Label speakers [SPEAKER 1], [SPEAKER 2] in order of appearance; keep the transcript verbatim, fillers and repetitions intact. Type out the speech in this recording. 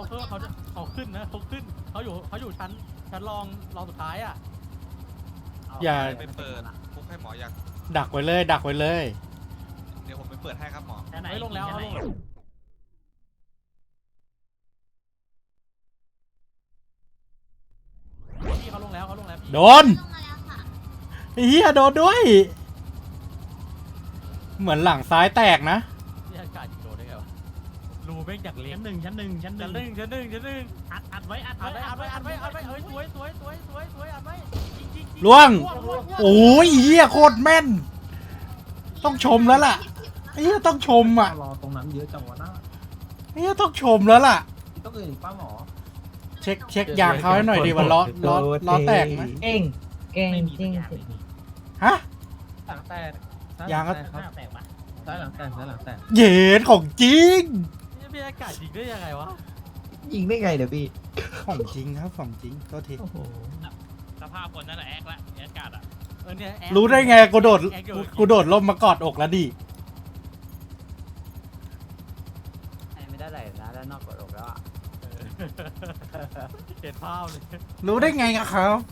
[SPEAKER 1] เออเขาจะเขาขึ้นนะเขาขึ้นเขาอยู่เขาอยู่ชั้นชั้นรองรองสุดท้ายอ่ะ
[SPEAKER 2] อย่า
[SPEAKER 3] ไปเปิดคุกให้หมอยัง
[SPEAKER 2] ดักไว้เลย ดักไว้เลย
[SPEAKER 3] เดี๋ยวผมไปเปิดให้ครับหมอ
[SPEAKER 1] เฮ้ยลงแล้วเอาลงพี่เขาลงแล้วเขาลงแล้วพี่
[SPEAKER 2] โดนไอ้เหี้ยโดนด้วย เหมือนหลังซ้ายแตกนะ
[SPEAKER 1] พี่อากาศยิงโดนได้ไงวะรูแม่งจากเล็ก
[SPEAKER 4] ชั้นหนึ่งชั้นหนึ่งชั้นห
[SPEAKER 1] ชั้นห
[SPEAKER 4] นึ่
[SPEAKER 1] นึ่
[SPEAKER 4] ง
[SPEAKER 1] งชั้นหนึ่งชั้นหนึ่ง
[SPEAKER 4] อัดอัดไว้อัด
[SPEAKER 1] อัด
[SPEAKER 4] ไว้
[SPEAKER 1] ไว้อัดไว้อัดไว้อัดไว้เอ้ยสวยสวยสวยสวยสวยอัดไว้ยิงยิงยิง
[SPEAKER 2] ล่วง
[SPEAKER 1] ล่วง
[SPEAKER 2] โอ้ยเหี้ยโคตรแม่น ต้องชมแล้วล่ะไอ้เหี้ยต้องชมอ่ะ
[SPEAKER 5] รอตรงนั้นเยอะจังวะนะ
[SPEAKER 2] ไอ้เหี้ยต้องชมแล้วล่ะ
[SPEAKER 5] ต้องอื่นอีกป้าหมอ
[SPEAKER 2] เช็คเช็คยางเขาให้หน่อยดิว่าล้อล้อล้อแตกไหม
[SPEAKER 6] เก่งเก่ง
[SPEAKER 4] ไม่มี
[SPEAKER 6] จริง
[SPEAKER 4] สักอย่างเลยนี่
[SPEAKER 2] ฮะ
[SPEAKER 5] หลังแตก
[SPEAKER 2] ยางก็
[SPEAKER 5] ซ้
[SPEAKER 4] หน้าแตกปะ
[SPEAKER 5] ายหลังแตกซ้ายหลังแตก
[SPEAKER 2] เย็นของจริง
[SPEAKER 1] นี่พี่อากาศยิงได้ยังไงวะ
[SPEAKER 6] ยิงได้ไงเดี๋ยวพี่
[SPEAKER 2] ของจริงครับของจริงโทษที
[SPEAKER 5] โอ้โห
[SPEAKER 4] สภาพคนนั่นแหละแอคละแอคกาดอ่ะ
[SPEAKER 1] เออเนี่ยแอค
[SPEAKER 2] รู้ได้ไงกูโดด
[SPEAKER 1] แอคอยู่
[SPEAKER 2] กูโดดล่มมากอดอกแล้วดิ
[SPEAKER 6] ไม่ได้ไหลนะด้านนอกกดอกแล้วอ่ะ
[SPEAKER 1] เห็นภาพเลย
[SPEAKER 2] รู้ได้ไงอะครับ